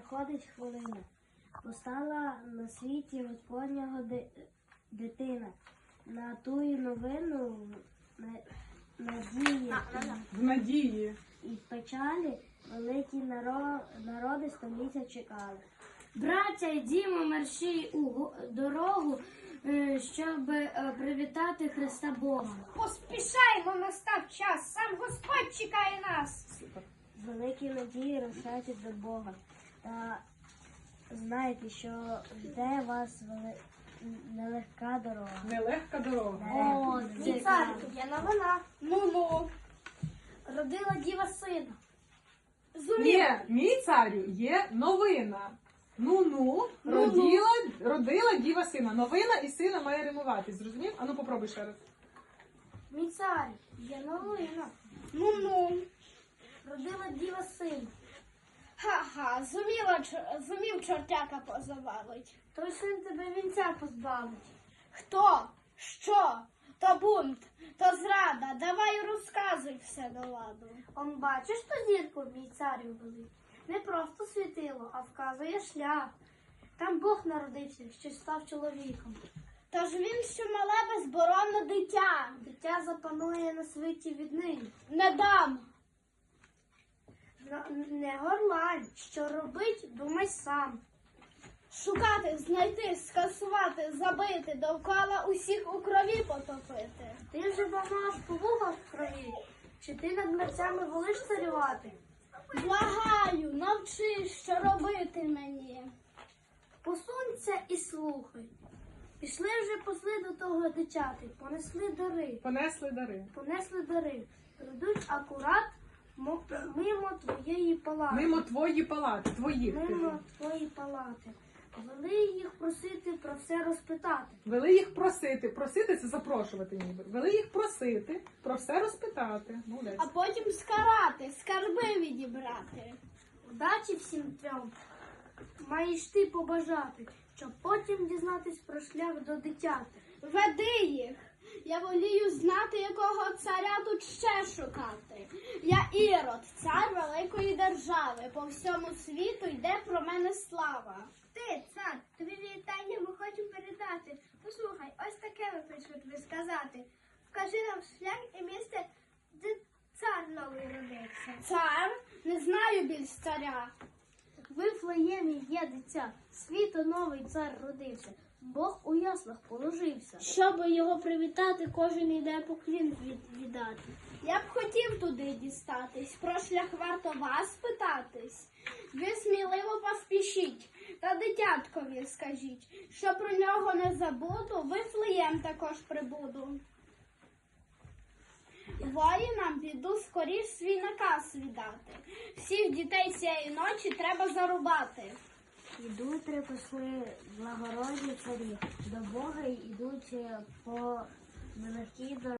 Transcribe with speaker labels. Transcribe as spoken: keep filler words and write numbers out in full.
Speaker 1: проходить хвилина. Постала на світі Господнього ди- дитина. На тую новину на- надії
Speaker 2: В надії.
Speaker 1: і печалі великі наро- народи століття чекали.
Speaker 3: Браття, йдімо мерщій у го- дорогу, е, щоб е, привітати Христа Бога.
Speaker 4: Поспішаймо, настав час, сам Господь чекає нас.
Speaker 2: Супер.
Speaker 1: Великі надії рушайте до Бога. Та знайте, що жде вас вели... нелегка дорога.
Speaker 2: Нелегка дорога.
Speaker 3: О, це
Speaker 4: Мій цар, є новина. Ну-ну. Родила діва сина.
Speaker 2: Ні, мій царю, є новина. Ну-ну, родила, родила діва сина. Новина і сина має римувати. Зрозумів? Ану, попробуй ще раз.
Speaker 4: Мій цар, є новина. Ну-ну. Родила діва сина. Ха-ха, зуміла, чор- зумів чортяка позабавить. Той син тебе вінця позбавить. Хто? Що? То бунт, то зрада. Давай розказуй все до ладу. Он бачиш ту зірку, мій царю великий? Не просто світило, а вказує шлях. Там Бог народився, що став чоловіком. Тож він, що мале безборонне дитя. Дитя запанує на світі віднині. Не дам. Не горлань, що робить, думай сам. Шукати, знайти, скасувати, забити, довкола усіх у крові потопити. Ти вже бамаш по вугах в крові, чи ти над мерцями волиш царювати? Благаю, навчи, що робити мені. Посунься і слухай. Пішли вже посли до того дитяти, понесли дари,
Speaker 2: Понесли дари.
Speaker 4: понесли дари. Прийдуть акурат мо- мимо твоєї палати.
Speaker 2: Мимо твої палати, твоїх. ти
Speaker 4: Мимо
Speaker 2: ж.
Speaker 4: твої палати. Вели їх просити про все розпитати.
Speaker 2: Вели їх просити. Просити це запрошувати ніби. Вели їх просити, про все розпитати. Молодець.
Speaker 4: А потім скарати, скарби відібрати. Удачі всім трьом маєш ти побажати, щоб потім дізнатись про шлях до дитяти. Веди їх. Я волію знати, якого царя тут ще шукати. Я Ірод, цар великої держави. По всьому світу йде про мене слава. Ти, цар, тобі вітання ми хочемо передати. Послухай, ось таке ми прийшли тобі сказати. Вкажи нам шлях і місце, де цар новий родився. Цар? Не знаю більш царя. В Вифлеємі є дитя, світу новий цар родився. Бог у яслах положився. Щоб його привітати, кожен йде поклін від, віддати. Я б хотів туди дістатись, про шлях варто вас питатись. Ви сміливо поспішіть, та дитяткові скажіть, що про нього не забуду, Вифлеєм також прибуду. Воїнам піду скоріш свій наказ віддати. Всіх дітей цієї ночі треба зарубати.
Speaker 1: Ідуть три посли благородні царі, до Бога йдуть по нелегкій дорозі.